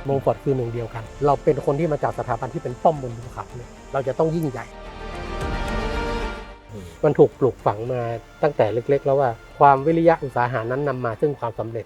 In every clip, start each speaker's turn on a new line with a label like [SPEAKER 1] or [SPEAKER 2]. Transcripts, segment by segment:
[SPEAKER 1] มงฟอร์ดคือหนึ่งเดียวกันเราเป็นคนที่มาจากสถาบันที่เป็นป้อมบนภูเขาเนี่ยเราจะต้องยิ่งใหญ่มันถูกปลูกฝังมาตั้งแต่เล็กๆแล้วว่าความวิริยะอุตสาหะนั้นนำมาซึ่งความสำเร็จ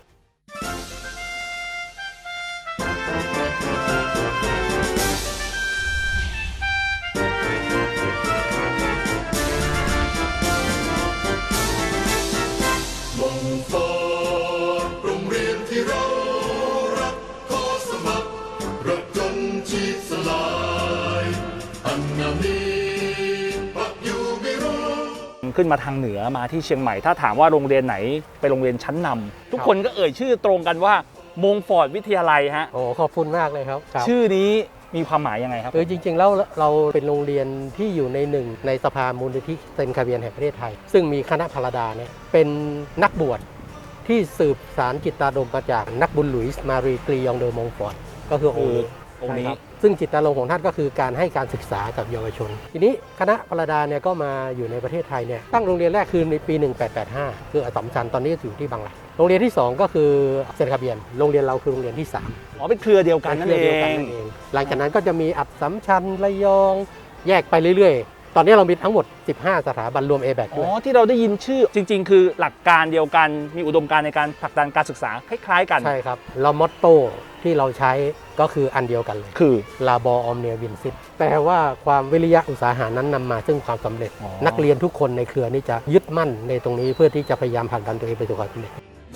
[SPEAKER 2] ขึ้นมาทางเหนือมาที่เชียงใหม่ถ้าถามว่าโรงเรียนไหนเป็นโรงเรียนชั้นนำทุกคนก็เอ่ยชื่อตรงกันว่ามงฟอร์ดวิทยาลัยฮะ
[SPEAKER 1] โอ้ขอบคุณมากเลยครับ
[SPEAKER 2] ชื่อนี้มีความหมายยังไงครับ
[SPEAKER 1] จริงๆแล้วเราเป็นโรงเรียนที่อยู่ในหนึ่งในสภามูลนิธิเซนต์คาเวียนแห่งประเทศไทยซึ่งมีคณะพลดาเนี่ยเป็นนักบวชที่สืบสารจิตตารมณ์มาจากนักบุญหลุยส์มารีกรียองเดอมงฟอร์ดก็คือองค์นี้ซึ่งจิตตารมณ์ของท่านก็คือการให้การศึกษากับเยาวชนทีนี้คณะพลดาเนี่ยก็มาอยู่ในประเทศไทยเนี่ยตั้งโรงเรียนแรกคือในปี 1885 คืออัสสัมชัญตอนนี้อยู่ที่บางหลักโรงเรียนที่2ก็คือเซนต์คาเบียนโรงเรียนเราคือโรงเรียนที่3
[SPEAKER 2] เป็นเครือเดียวกันนั่นเอง
[SPEAKER 1] หลังจากนั้นก็จะมีอัสสัมชัญระยองแยกไปเรื่อยๆตอนนี้เรามีทั้งหมด15สถาบันรวม ABAC ด้วย
[SPEAKER 2] ที่เราได้ยินชื่อจริงๆคือหลักการเดียวกันมีอุดมการณ์ในการผลักดันการศึกษาคล้ายๆกัน
[SPEAKER 1] ใช่ครับเรามอตโต้ที่เราใช้ก็คืออันเดียวกันเลย
[SPEAKER 2] คือ
[SPEAKER 1] Labor Omnia Vincit แปลว่าความวิริยะอุตสาหะนั้นนำมาซึ่งความสำเร็จนักเรียนทุกคนในเครือนี้จะยึดมั่นในตรงนี้เพื่อที่จะพยายามผลักดันตัวเองไปสู่ความสำเร็จ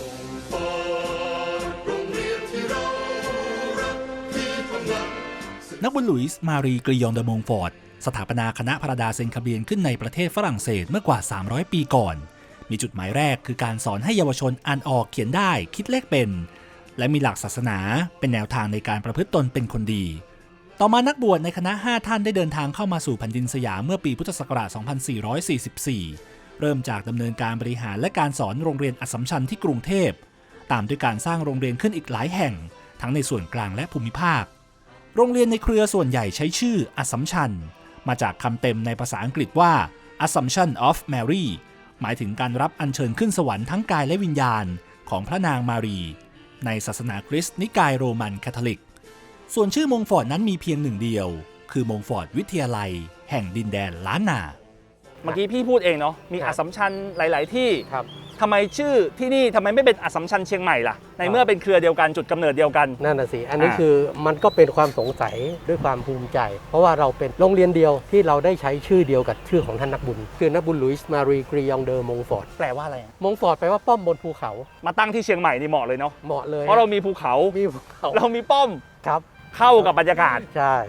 [SPEAKER 3] นักบุญหลุยส์มารีกรียองเดอมงฟอร์ดสถาปนาคณะพลดาเซนต์คาเบียนขึ้นในประเทศฝรั่งเศสเมื่อกว่า300ปีก่อนมีจุดหมายแรกคือการสอนให้เยาวชนอ่านออกเขียนได้คิดเลขเป็นและมีหลักศาสนาเป็นแนวทางในการประพฤติตนเป็นคนดีต่อมานักบวชในคณะ5ท่านได้เดินทางเข้ามาสู่แผ่นดินสยามเมื่อปีพุทธศักราช 2444 เริ่มจากดำเนินการบริหารและการสอนโรงเรียนอัสสัมชัญที่กรุงเทพตามด้วยการสร้างโรงเรียนขึ้นอีกหลายแห่งทั้งในส่วนกลางและภูมิภาคโรงเรียนในเครือส่วนใหญ่ใช้ชื่ออัสสัมชัญมาจากคำเต็มในภาษาอังกฤษว่า Assumption of Mary หมายถึงการรับอัญเชิญขึ้นสวรรค์ทั้งกายและวิญญาณของพระนางมารีในศาสนาคริสต์นิกายโรมันคาทอลิกส่วนชื่อมงฟอร์ดนั้นมีเพียงหนึ่งเดียวคือมงฟอร์ดวิทยาลัยแห่งดินแดนล้านนา
[SPEAKER 2] เมื่อกี้พี่พูดเองเนาะมีอัสสัมชัญหลายๆที่ทำไมชื่อที่นี่ทำไมไม่เป็นอัสสัมชัญเชียงใหม่ล่ะในเมื่อเป็นเครือเดียวกันจุดกำเนิดเดียวกัน
[SPEAKER 1] นั่นน่ะสิอันนี้คือมันก็เป็นความสงสัยด้วยความภูมิใจเพราะว่าเราเป็นโรงเรียนเดียวที่เราได้ใช้ชื่อเดียวกับชื่อของท่านนักบุญคือนักบุญหลุยส์มารีกรียองเดอมงฟอร์ด
[SPEAKER 2] แปลว่าอะไร
[SPEAKER 1] มงฟอร์ดแปลว่าป้อมบนภูเขา
[SPEAKER 2] มาตั้งที่เชียงใหม่นี่เหมาะเลยเนาะ
[SPEAKER 1] เหมาะเลย
[SPEAKER 2] เพราะเรามีภูเขาเรามีป้อม
[SPEAKER 1] ครับ
[SPEAKER 2] เข้ากับบรรยากาศ
[SPEAKER 1] ใช่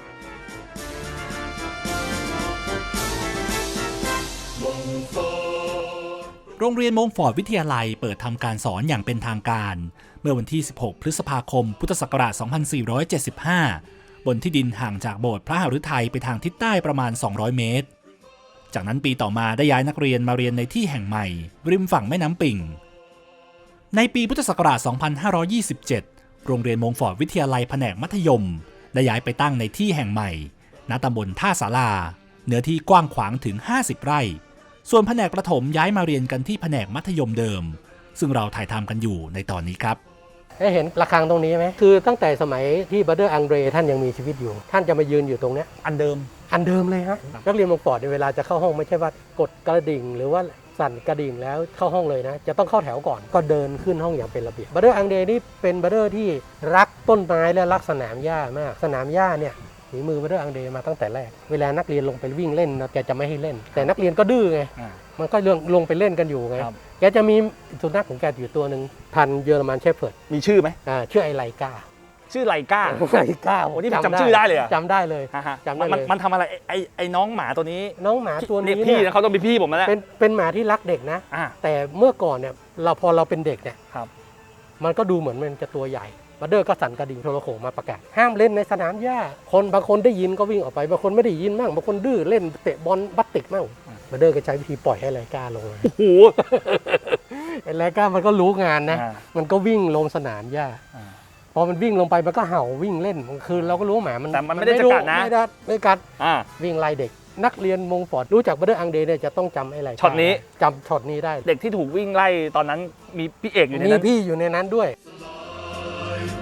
[SPEAKER 3] โรงเรียนมงฟอร์ดวิทยาลัยเปิดทำการสอนอย่างเป็นทางการเมื่อวันที่ 16 พฤษภาคม พุทธศักราช 2475 บนที่ดินห่างจากโบสถ์พระหฤทัยไปทางทิศใต้ประมาณ 200 เมตร จากนั้นปีต่อมาได้ย้ายนักเรียนมาเรียนในที่แห่งใหม่ริมฝั่งแม่น้ำปิ่งในปีพุทธศักราช 2527 โรงเรียนมงฟอร์ดวิทยาลัยแผนกมัธยมได้ย้ายไปตั้งในที่แห่งใหม่ณตำบลท่าศาลาเนื้อที่กว้างขวางถึง 50 ไร่ส่วนแผนกประถมย้ายมาเรียนกันที่แผนกมัธยมเดิมซึ่งเราถ่ายทำกันอยู่ในตอนนี้ครับ
[SPEAKER 1] ได้เห็นระฆังตรงนี้ไหมคือตั้งแต่สมัยที่บัตเตอร์อังเดรท่านยังมีชีวิตอยู่ท่านจะมายืนอยู่ตรงนี้
[SPEAKER 2] อันเดิม
[SPEAKER 1] เลยฮะนักเรียนมงฟอร์ดในเวลาจะเข้าห้องไม่ใช่ว่ากดกระดิ่งหรือว่าสั่นกระดิ่งแล้วเข้าห้องเลยนะจะต้องเข้าแถวก่อนก็เดินขึ้นห้องอย่างเป็นระเบียบบัตเตอร์อังเดรนี่เป็นบัตเตอร์ที่รักต้นไม้และรักสนามหญ้ามากสนามหญ้าเนี่ยฝีมือบัตเตอร์อังเดรมาตั้งแต่แรกเวลานักเรียนลงไปวิ่งเล่นแกจะไม่ให้เล่นแต่นักเรียนก็ดื้อไงมันก็ลงไปเล่นกันอยู่ไงแกจะมีสุนัขของแกอยู่ตัวหนึ่งพันธุ์เยอรมันเชฟเฟิร์ด
[SPEAKER 2] มีชื่อไหม
[SPEAKER 1] ชื่อไอไลกา
[SPEAKER 2] ชื่อไลกาโอ้นี่จำชื่อได้เลย
[SPEAKER 1] จำได้เลย
[SPEAKER 2] จำได้เลยมันทำอะไรไอ้น้องหมาตัวนี้
[SPEAKER 1] น้องหมาตัวนี้
[SPEAKER 2] พี่นะเขาต้องเป็นพี่ผมแล้ว
[SPEAKER 1] เป็นหมาที่รักเด็กนะแต่เมื่อก่อนเนี่ยพอเราเป็นเด็กเนี่ยมันก็ดูเหมือนมันจะตัวใหญ่บัตเตอร์ก็สั่นกระดิ่งโทรโขงมาประกาศห้ามเล่นในสนามหญ้าบางคนได้ยินก็วิ่งออกไปบางคนไม่ได้ยินมั่งบางคนดื้อเล่นเตะบอลบัตติกมั่งบัตเตอร์ก็ใช้วิธีปล่อยให้ไลกาลงโอ้โหไอ้ไลกามันก็รู้งานนะมันก็วิ่งลงสนามหญ้าพอมันวิ่งลงไปมันก็เห่าวิ่งเล่นคือเราก็รู้หมามัน
[SPEAKER 2] แต่มันไม่ได้กัดนะ
[SPEAKER 1] ไม่กัดวิ่งไล่เด็กนักเรียนมงฟอร์ดรู้จักบัตเตอร์อังเดรเนี่ยจะต้องจำไอ้ไร
[SPEAKER 2] ช็อตนี้
[SPEAKER 1] จำช็อตนี้ได้
[SPEAKER 2] เด็กที่ถูกวิ่งไล่ตอนนั้นมีพี่เอกอยู่ในนั้น
[SPEAKER 1] มีพี่อยู่ในนั้นด้วย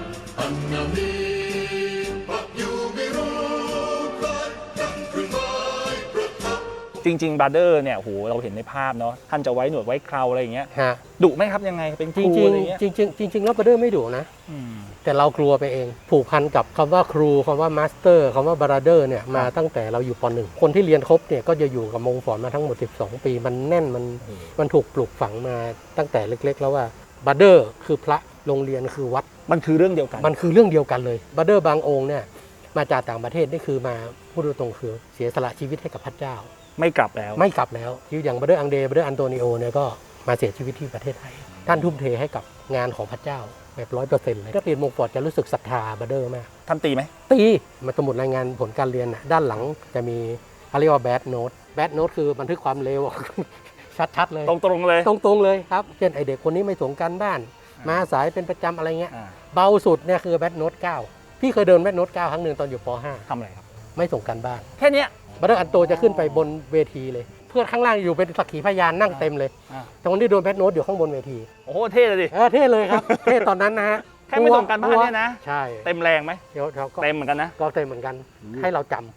[SPEAKER 2] จริงๆบราเดอร์เนี่ยโหเราเห็นในภาพเนาะท่านจะไว้หนวดไว้เคราอะไรอย่างเงี้ย
[SPEAKER 1] ฮะ
[SPEAKER 2] ดุไหมครับยังไงเป็นค
[SPEAKER 1] จ
[SPEAKER 2] รู
[SPEAKER 1] ริง
[SPEAKER 2] อะไรเงี้ย
[SPEAKER 1] ๆจริงๆแล้วบัดเดอร์ไม่ดุนะ
[SPEAKER 2] อืม
[SPEAKER 1] แต่เรากลัวไปเองผูกพันกับคำว่าครูคำว่ามาสเตอร์คำว่าบราเดอร์เนี่ยมาตั้งแต่เราอยู่ป .1 คนที่เรียนครบเนี่ยก็จะอยู่กับมงฟอร์ดมาทั้งหมด12 ปีมันแน่นมันถูกปลูกฝังมาตั้งแต่เล็กๆแล้วว่าบัดเดอร์คือพระโรงเรียนคือวัด
[SPEAKER 2] มันคือเรื่องเดียวกัน
[SPEAKER 1] มันคือเรื่องเดียวกันเลยบัดเดอร์บางองค์เนี่ยมาจากต่างประเทศนี่คือมาพูดตรงๆคือเสียสละชีวิตให้กับพระเจ้า
[SPEAKER 2] ไม่กลับแล้ว
[SPEAKER 1] ไม่กลับแล้วอย่างบัดเดอร์อังเดบัดเดอร์อันโตนิโอเนี่ยก็มาเสียชีวิตที่ประเทศไทยท่านทุ่มเทให้กับงานของพระเจ้าแบบ100%เลยถ้าเรียนมงฟอร์ดจะรู้สึกศรัทธาบัดเดอร์มาก
[SPEAKER 2] ท่านตีไหม
[SPEAKER 1] ตีมาสมุดรายงานผลการเรียนน่ะด้านหลังจะมีเขาเรียกว่า bad note bad note คือบันทึกความเลว ชัดๆเลย
[SPEAKER 2] ตรงๆเลย
[SPEAKER 1] ตรงๆเลยครับเช่นไอเด็กคนนี้ไม่ส่งการบ้าน มาสายเป็นประจำอะไรเงี้ย
[SPEAKER 2] อ่า
[SPEAKER 1] เบาสุดเนี่ยคือ bad note 9พี่เคยเดิน bad note 9ครั้งหนึ่งตอนอยู่ป
[SPEAKER 2] ทำอะไรครับ
[SPEAKER 1] .5 ไม่ส่งการบ้าน
[SPEAKER 2] แค่เนี้ย
[SPEAKER 1] บัตเตอร์อันโตจะขึ้นไปบนเวทีเลย เพื่อนข้างล่างอยู่เป็นสักขีพยานนั่งเต็มเลย
[SPEAKER 2] อ่า
[SPEAKER 1] แต่คนที่โดน bad note อยู่ข้างบนเวที
[SPEAKER 2] โอ้โหเท่เลยดิ
[SPEAKER 1] เท่เลยครับ เท่ตอนนั้นนะฮะ
[SPEAKER 2] แค่ไม่ส่งการบ้านเนี่ยนะ
[SPEAKER 1] ใช่
[SPEAKER 2] เต็มแรงไหม
[SPEAKER 1] เดี๋ยวเขาก็
[SPEAKER 2] เต็มเหมือนกันนะ
[SPEAKER 1] ก็เต็มเหมือนกันให้เราจำ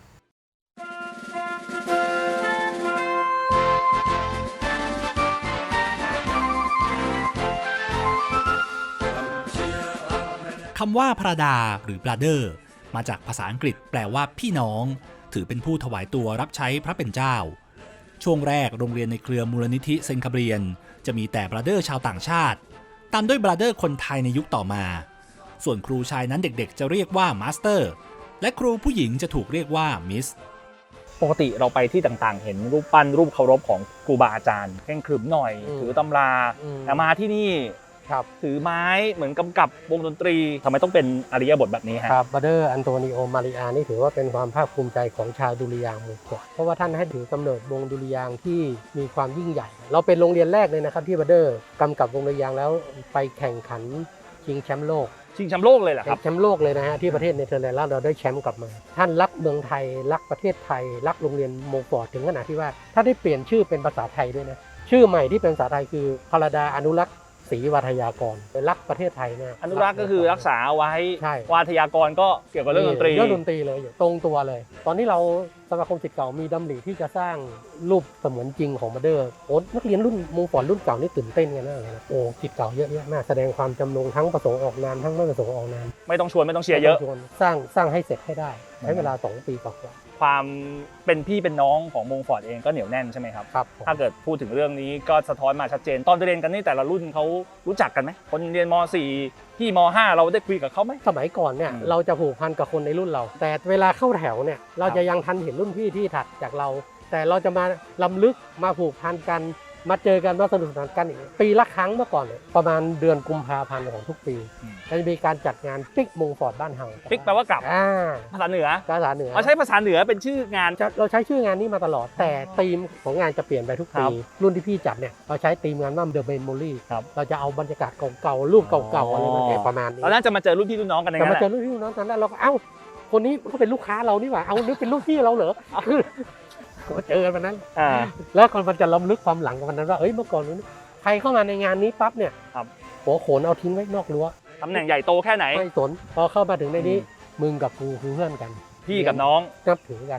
[SPEAKER 3] คำว่าพระดาหรือ brother มาจากภาษาอังกฤษแปลว่าพี่น้อง ถือเป็นผู้ถวายตัวรับใช้พระเป็นเจ้า ช่วงแรกโรงเรียนในเครือมูลนิธิเซนคาเบรียนจะมีแต่ brother ชาวต่างชาติ ตามด้วย brother คนไทยในยุคต่อมา ส่วนครูชายนั้นเด็กๆจะเรียกว่า master และครูผู้หญิงจะถูกเรียกว่า miss
[SPEAKER 2] ปกติเราไปที่ต่างๆ เห็นรูปปั้นรูปเคารพของครูบาอาจารย์เคร่งขรึมหน่อย ถือตำรา แต่มาที่นี่
[SPEAKER 1] ครับ
[SPEAKER 2] ถือไม้เหมือนกำกับวงดนตรีทำไมต้องเป็นอริยบทแบบนี้ฮะ
[SPEAKER 1] ครับบัตเตอร์อันโตนิโอมาริอานี่ถือว่าเป็นความภาคภูมิใจของชาวดุริยางค์หมู่เกาะเพราะว่าท่านให้ถือกำเนิดวงดุริยางค์ที่มีความยิ่งใหญ่ เราเป็นโรงเรียนแรกเลยนะครับที่บัตเตอร์กำกับวงดุริยางค์แล้วไปแข่งขันชิงแชมป์โลก
[SPEAKER 2] ชิงแชมป์โลกเลยเหรอครับ
[SPEAKER 1] แชมป์โลกเลยนะฮะที่ประเทศเนเธอร์แลนด์แล้วเราได้แชมป์กลับมา ท่านรักเมืองไทยรักประเทศไทยรักโรงเรียนโมฟอร์ดถึงขนาดที่ว่าถ้านได้เปลี่ยนชื่อเป็นภาษาไทยด้วยนะชื่อใหม่ที่เป็นภาษาไทยคือพรดาอนุรักษ์ศรีวาทยากรเป็นรักประเทศไทยเนี่ย
[SPEAKER 2] อนุรักษ์ก็คือรักษาไว้
[SPEAKER 1] ใช่
[SPEAKER 2] วาทยากรก็เกี่ยวกับเรื่องดนตรี
[SPEAKER 1] เรื่องดนตรีเลยตรงตัวเลย ตอนนี้เราสมาคมศิษย์เก่ามีดำริที่จะสร้างรูปเสมือนจริงของบัตเตอร์โอ้นักเรียนรุ่นมงฟอร์ดรุ่นเก่านี่ตื่นเต้นกันมากเลยนะโอ้ศิษย์เก่าเยอะแยะมากแสดงความจำนงทั้งประสงค์ออกนามทั้งไม่ประสงค์ออกนาม
[SPEAKER 2] ไม่ต้องชวนไม่ต้องเชียร์เยอะ
[SPEAKER 1] สร้างให้เสร็จให้ได้ใช้เวลา2 ปีกว่า
[SPEAKER 2] ความเป็นพี่เป็นน้องของมงฟอร์ดเองก็เหนียวแน่นใช่ไหมครับ
[SPEAKER 1] ครับผม
[SPEAKER 2] ถ้าเกิดพูดถึงเรื่องนี้ก็สะท้อนมาชัดเจน ตอนเรียนกันนี่แต่ละรุ่นเขารู้จักกันไหมคนเรียนม .4 พี่ม .5 เราได้คุยกับเขาไหม
[SPEAKER 1] สมัยก่อนเนี่ย
[SPEAKER 2] อืม
[SPEAKER 1] เราจะผูกพันกับคนในรุ่นเรา แต่เวลาเข้าแถวเนี่ยเราจะยังทันเห็นรุ่นพี่ที่ถัดจากเรา แต่เราจะมาล้ำลึกมาผูกพันกันมาเจอกันมาสนุกสนานกันอีกปีละครั้งเมื่อก่อนเนี่ยประมาณเดือนกุมภาพันธ์ของทุกปีจะมีการจัดงานปิกมงฟอร์ดบ้านเฮา
[SPEAKER 2] ปิกแปลว่ากลับ ภาษาเหนือ
[SPEAKER 1] ภาษาเหนือ
[SPEAKER 2] เอาใช้ภาษาเหนือเป็นชื่องาน
[SPEAKER 1] เราใช้ชื่องานนี้มาตลอด แต่ธีมของงานจะเปลี่ยนไปทุก
[SPEAKER 2] ครั
[SPEAKER 1] ปี
[SPEAKER 2] บ
[SPEAKER 1] รุ่นที่พี่จัดเนี่ยเราใช้ธีมงานว่า The Memory
[SPEAKER 2] ครับ
[SPEAKER 1] เราจะเอาบรรยากาศเก่าๆรูปเก่าๆอะไรมาแกะประมาณนี้
[SPEAKER 2] เราน่าจะมาเจอรุ่นพี่รุ่นน้องกันใน
[SPEAKER 1] แต่
[SPEAKER 2] นั้น
[SPEAKER 1] มา
[SPEAKER 2] แห
[SPEAKER 1] เจ
[SPEAKER 2] ละ
[SPEAKER 1] อรุ่นพี่รุ่นน้องกันแล้วเราก็เอ้าคนนี้เขาเป็นลูกค้าเรานี่หว่าเอานึกเป็นลูกพี่เราเหรอคือก็เจอกันวันนั้น
[SPEAKER 2] อ่า
[SPEAKER 1] แล้วคนมันจะล้ำลึกความหลังกับวันนั้นว่าเอ้ยเมื่อก่อนนู้นใครเข้ามาในงานนี้ปั๊บเนี่ย
[SPEAKER 2] ครับ
[SPEAKER 1] หัวโขนเอาทิ้งไว้นอกรั้ว
[SPEAKER 2] ตำแหน่งใหญ่โตแค่ไหน
[SPEAKER 1] ไม่สนพอเข้ามาถึงในนี้มึงกับกูคือเพื่อนกัน
[SPEAKER 2] พี่กับน้อง
[SPEAKER 1] นับถือกัน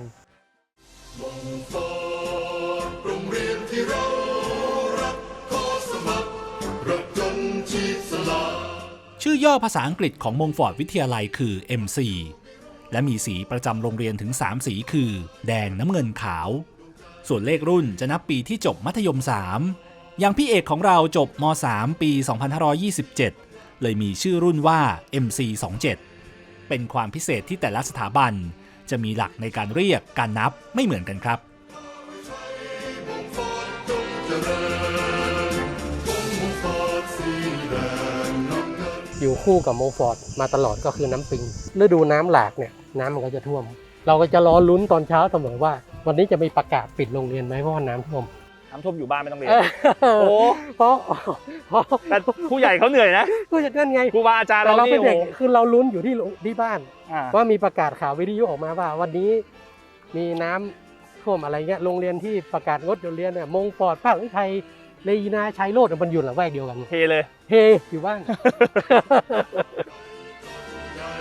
[SPEAKER 4] โรงเรียนที่เรารักขอสมัครรับจนชีพสละ
[SPEAKER 3] ชื่อย่อภาษาอังกฤษของมงฟอร์ดวิทยาลัยคือ MC และมีสีประจำโรงเรียนถึง 3 สีคือ แดงน้ำเงินขาว ส่วนเลขรุ่นจะนับปีที่จบมัธยม 3 อย่างพี่เอกของเราจบม .3 ปี 2527 เลยมีชื่อรุ่นว่า MC 27 เป็นความพิเศษที่แต่ละสถาบันจะมีหลักในการเรียกการนับไม่เหมือนกันครับ
[SPEAKER 1] อยู่คู่กับโมฟอร์ดมาตลอดก็คือน้ำปิงฤดูน้ำหลากเนี่ยน้ำมันก็จะท่วม เราก็จะรอลุ้นตอนเช้าเสมอว่า วันนี้จะมีประกาศปิดโรงเรียนไหมเพราะว่าน้ำท่วม
[SPEAKER 2] น้ำท่วมอยู่บ้านไม่ต้องเรียน
[SPEAKER 1] โอ้เพราะ
[SPEAKER 2] แต่ผู้ใหญ่เขาเหนื่อยนะ
[SPEAKER 1] ก็จะนั่นไง
[SPEAKER 2] ครูบาอาจารย์
[SPEAKER 1] แต่
[SPEAKER 2] เรา
[SPEAKER 1] เรา
[SPEAKER 2] นี่
[SPEAKER 1] เป็น
[SPEAKER 2] โอ้
[SPEAKER 1] เด็ก
[SPEAKER 2] โห
[SPEAKER 1] คือเราลุ้นอยู่ที่บ้าน
[SPEAKER 2] อ่า
[SPEAKER 1] ว่ามีประกาศข่าววิทยุออกมาว่า วันนี้มีน้ำท่วมอะไรเงี้ยโรงเรียนที่ประกาศงดเรียนเนี่ยมงฟอร์ดภาควิทยาเลยีนาชัยโรจน์มันอยู่หลังแวกเดียวกัน
[SPEAKER 2] เทเลย
[SPEAKER 1] เฮอยู่บ้าน
[SPEAKER 4] ใหญ่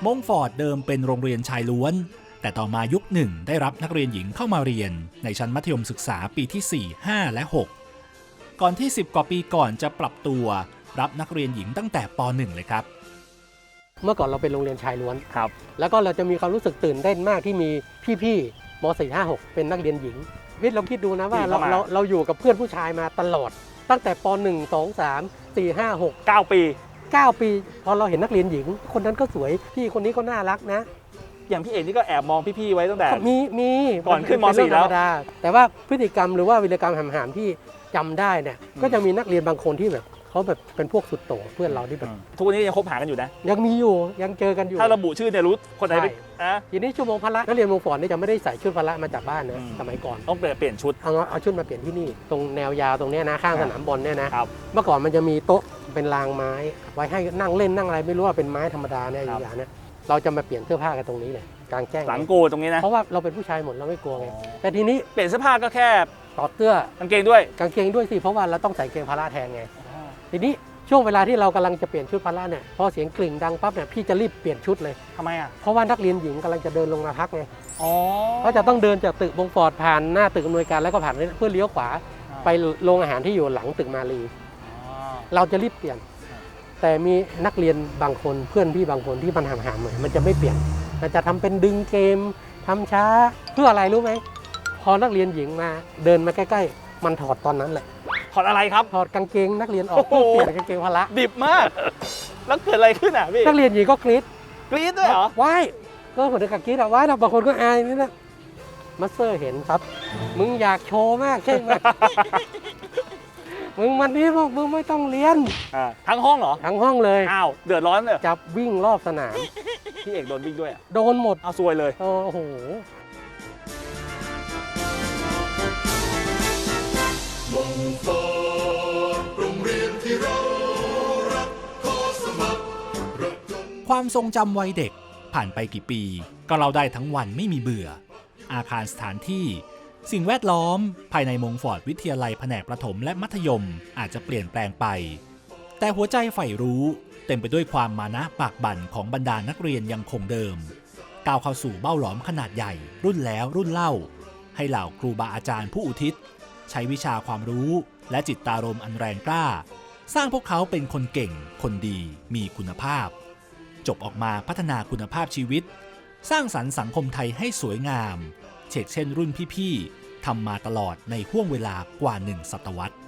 [SPEAKER 3] มงฟอร์ดเดิมเป็นโรงเรียนชายล้วนแต่ต่อมายุคหนึ่งได้รับนักเรียนหญิงเข้ามาเรียนในชั้นมัธยมศึกษาปีที่ 4 5 และ 6 ก่อนที่ 10 กว่าปีก่อนจะปรับตัวรับนักเรียนหญิงตั้งแต่ป .1 เลยครับ
[SPEAKER 1] เมื่อก่อนเราเป็นโรงเรียนชายล้วน
[SPEAKER 2] ครับ
[SPEAKER 1] แล้วก็เราจะมีความรู้สึกตื่นเต้นมากที่มีพี่ๆม .4 5 6 เป็นนักเรียนหญิงวิทย์เราคิดดูนะว่าเราอยู่กับเพื่อนผู้ชายมาตลอดตั้งแต่ป .1 2 3 4 5 6
[SPEAKER 2] 9 ปี
[SPEAKER 1] 9 ปีพอเราเห็นนักเรียนหญิง คนนั้นก็สวยพี่คนนี้ก็น่ารักนะ
[SPEAKER 2] อย่างพี่เอกนี่ก็แอบมองพี่ๆไว้ตั้งแต่
[SPEAKER 1] มี
[SPEAKER 2] ก่อนขึ้นม
[SPEAKER 1] เป็เรื่
[SPEAKER 2] .4
[SPEAKER 1] งธรรมดาแต่ว่าพฤติกรรมหรือว่าวีรกรรมหามๆที่จำได้เนี่ยก็จะมีนักเรียนบางคนที่แบบเขาแบบเป็นพวกสุดโต่งเพื่อนเราที่แบบ
[SPEAKER 2] ทุกวันนี้ยังคบหากันอยู่นะ
[SPEAKER 1] ยังมีอยู่ยังเจอกันอยู่
[SPEAKER 2] ถ้าระบุชื่อเนี่ยรู้คนไหนเป็นอ่ะ
[SPEAKER 1] ทีนี้ชั่วโมงพละนักเรียนมงฟอร์ดนี่จะไม่ได้ใส่ชุดพละมาจากบ้านนะสมัยก่อน
[SPEAKER 2] ต้องเปลี่ยนชุด
[SPEAKER 1] เอาชุดมาเปลี่ยนที่นี่ตรงแนวยาวตรงเนี้ยนะข้างสนามบอลเนี่ยนะครับ เมื่อก่อนมันจะมีโต๊ะเป็นรางไม้ ไว้ให้นั่งเล่นนั่งอะไรไม่รู้ว่าเป็นไม้ธรรมดาเนี่ยอย่างเนี้ยเราจะมาเปลี่ยนเสื้อผ้ากันตรงนี้เลยกลางแจ้ง
[SPEAKER 2] หลังโกตรงนี้นะ
[SPEAKER 1] เพราะว่าเราเป็นผู้ชายหมดเราไม่กลัวไงแต่ทีนี้
[SPEAKER 2] เปลี่ยนเสื้อผ้าก็แค่
[SPEAKER 1] ถอดเสื้อก
[SPEAKER 2] างเกงด้วย
[SPEAKER 1] กางเกงด้วยสิเพราะว่าเราต้องใส่เกงพละแทนไงทีนี้ช่วงเวลาที่เรากำลังจะเปลี่ยนชุดพละเนี่ยพอเสียงกลิ่งดังปั๊บเนี่ยพี่จะรีบเปลี่ยนชุดเลย
[SPEAKER 2] ทำไมอ่ะ
[SPEAKER 1] เพราะว่านักเรียนหญิงกำลังจะเดินลงมาพักไง
[SPEAKER 2] อ๋อ
[SPEAKER 1] เขาจะต้องเดินจากตึกมงฟอร์ดผ่านหน้าตึกอำนวยการแล้วก็ผ่านเพื่อเลี้ยวขวาไปโรงอาหารที่อยู่หลังตึกมาลีเราจะรีบเปลี่ยน แต่มีนักเรียนบางคนเพื่อนพี่บางคนที่มันห่างๆหน่อยมันจะไม่เปลี่ยนมันจะทำเป็นดึงเกมทำช้าเพื่ออะไรรู้ไหมพอนักเรียนหญิงมาเดินมาใกล้ๆมันถอดตอนนั้นแหละ
[SPEAKER 2] ถอดอะไรครับ
[SPEAKER 1] ถอดกางเกงนักเรียนออกเพื่อเปลี่ยนกางเกงพละ
[SPEAKER 2] ดิบมาก แล้วเกิดอะไรขึ้นอ่ะพี่
[SPEAKER 1] นักเรียนหญิงก็กรี๊ด
[SPEAKER 2] กรี๊ดด้วยเหรอ
[SPEAKER 1] ว้ายก็เหมือนกับกรี๊ดอะว้ายเราบางคนก็อายนี่นะมาสเตอร์เห็นครับมึงอยากโชว์มากใช่ไหม มึงวันนี้บอกมึงไม่ต้องเรียน
[SPEAKER 2] ทั้งห้องเหรอ
[SPEAKER 1] ทั้งห้องเลย
[SPEAKER 2] อ้าวเดือดร้อนเลย
[SPEAKER 1] จับวิ่งรอบสนาม
[SPEAKER 2] พี่เอกโดนวิ่งด้วยอ่ะ
[SPEAKER 1] โดนหมด
[SPEAKER 2] เอาซวยเลย
[SPEAKER 1] โอ้โห
[SPEAKER 4] มงฟอร์ดโรงเรียนที่เรารักขอสมัครรับจน
[SPEAKER 3] ความทรงจำวัยเด็กผ่านไปกี่ปี ก็เราได้ทั้งวันไม่มีเบื่อ อาคารสถานที่ สิ่งแวดล้อมภายในมงฟอร์ดวิทยาลัยแผนกประถมและมัธยมอาจจะเปลี่ยนแปลงไป แต่หัวใจใฝ่รู้เต็มไปด้วยความมานะปากบั่นของบรรดานักเรียนยังคงเดิม ก้าวเข้าสู่เบ้าหลอมขนาดใหญ่ รุ่นแล้วรุ่นเล่า ให้เหล่าครูบาอาจารย์ผู้อุทิศ ใช้วิชาความรู้และจิตตารมณ์อันแรงกล้า สร้างพวกเขาเป็นคนเก่ง คนดี มีคุณภาพ จบออกมาพัฒนาคุณภาพชีวิต สร้างสรรค์สังคมไทยให้สวยงาม เฉกเช่นรุ่นพี่ๆทำมาตลอดในห่วงเวลากว่า1 ศตวรรษ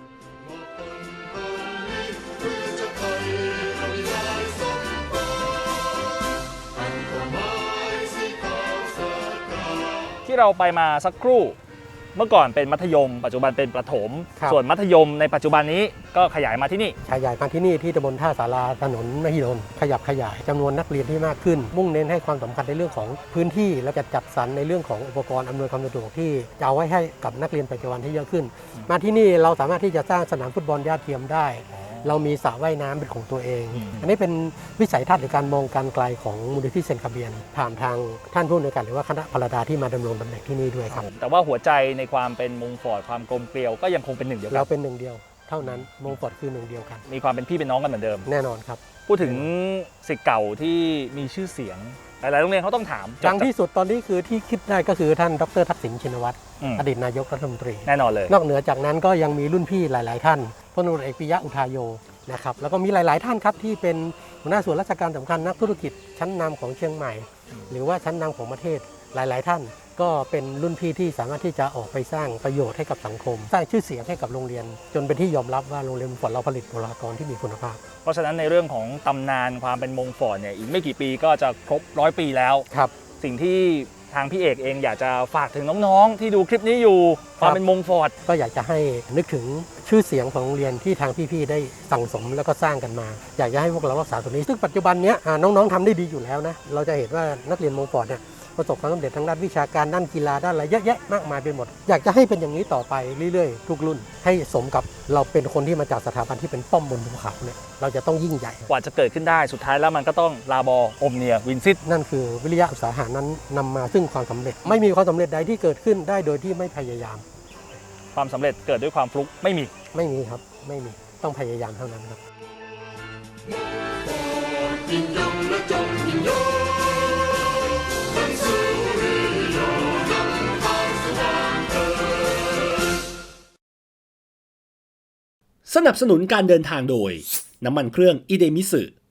[SPEAKER 2] ที่เราไปมาสักครู่ เมื่อก่อนเป็นมัธยม ปัจจุบันเป็นประถม ส่วนมัธยมในปัจจุบันนี้ก็ขยายมาที่นี่
[SPEAKER 1] ขยายมาที่นี่ที่ตำบลท่าสาราถนนมหิดลขยับขยายจำนวนนักเรียนที่มากขึ้น มุ่งเน้นให้ความสำคัญในเรื่องของพื้นที่และจะจัดสรรในเรื่องของอุปกรณ์อำนวยความสะดวกที่จะเอาไว้ให้กับนักเรียนปัจจุบันที่เยอะขึ้น มาที่นี่เราสามารถที่จะสร้างสนามฟุตบอลหญ้าเทียมได้ เรามีสระว่ายน้ำเป็นของตัวเอง อันนี้เป็นวิสัยทัศน์หรือการมองการไกลของมูลนิธิเซนคาเบียนผ่านทางท่านผู้อำนวยการหรือว่าคณะพลดาที่มาดำรงตำแหน่งที่นี่ด้วยครับ
[SPEAKER 2] แต่ว่าหัวใจในความเป็นมงฟอร์ดความกลมเกลียวก็ยังคงเป็นหนึ่งเดียวกั
[SPEAKER 1] เรา
[SPEAKER 2] น
[SPEAKER 1] เป็นหนึ่งเดียวเท่านั้นมงฟอร์ดคือหนึ่งเดียวกัน
[SPEAKER 2] มีความเป็นพี่เป็นน้องกันเหมือนเดิม
[SPEAKER 1] แน่นอนครับ
[SPEAKER 2] พูดถึงศิษย์เก่าที่มีชื่อเสียง หลายๆโรงเรียนเขาต้องถาม
[SPEAKER 1] ดังที่สุดตอนนี้คือที่คิดได้ก็คือท่านดรทักษิณชินวัตร อดีตนายกรัฐมนตรี
[SPEAKER 2] แน่นอนเลย
[SPEAKER 1] นอกเหนือจากนั้นก็ยังมีรุ่นพี่หลาย ๆ ท่านพลตำรวจเอกปิยะอุทาโยนะครับแล้วก็มีหลาย ๆ ท่านครับที่เป็นหัวหน้าส่วนราชการสำคัญนักธุรกิจชั้นนำของเชียงใหม่ หรือว่าชั้นนำของประเทศหลาย ๆ ท่าน ก็เป็นรุ่นพี่ที่สามารถที่จะออกไปสร้างประโยชน์ให้กับสังคม สร้างชื่อเสียงให้กับโรงเรียน จนเป็นที่ยอมรับว่าโรงเรียนมงฟอร์ดเราผลิตบุคลากรที่มีคุณภาพ
[SPEAKER 2] เพราะฉะนั้นในเรื่องของตำนานความเป็นมงฟอร์ดเนี่ยอีกไม่กี่ปีก็จะครบ100 ปีแล้ว
[SPEAKER 1] ครับ
[SPEAKER 2] สิ่งที่ทางพี่เอกเองอยากจะฝากถึงน้องๆ ที่ดูคลิปนี้อยู่ความเป็นมงฟอร์ด
[SPEAKER 1] ก็อยากจะให้นึกถึงชื่อเสียงของโรงเรียนที่ทางพี่ๆได้สั่งสมแล้วก็สร้างกันมา อยากจะให้พวกเรารักษาตัวนี้ซึ่งปัจจุบันนี้น้องๆทำได้ดีอยู่แล้วนะเราจะเห็นว่านักเรียนมงฟอร์ดเนี่ยประสบความสำเร็จทางด้านวิชาการด้านกีฬาด้านอะไรเยอะแยะมากมายไปหมดอยากจะให้เป็นอย่างนี้ต่อไปเรื่อยๆทุกรุ่นให้สมกับเราเป็นคนที่มาจากสถาบันที่เป็นป้อมบนภูเขาเนี่ยเราจะต้องยิ่งใหญ่
[SPEAKER 2] กว่าจะเกิดขึ้นได้สุดท้ายแล้วมันก็ต้องลาบออมเนียวินซิต
[SPEAKER 1] นั่นคือวิริยะอุตสาหะนั้นนำมาซึ่งความสำเร็จไม่มีความสำเร็จใดที่เกิดขึ้นได้โดยที่ไม่พยายาม
[SPEAKER 2] ความสำเร็จเกิดด้วยความฟลุกไม่มี
[SPEAKER 1] ไม่มีครับไม่มีต้องพยายามเท่านั้นครับ
[SPEAKER 4] ยิ่งยงและจงยิ่งยง
[SPEAKER 3] สนับสนุนการเดินทางโดยน้ำมันเครื่องอิเดมิสึ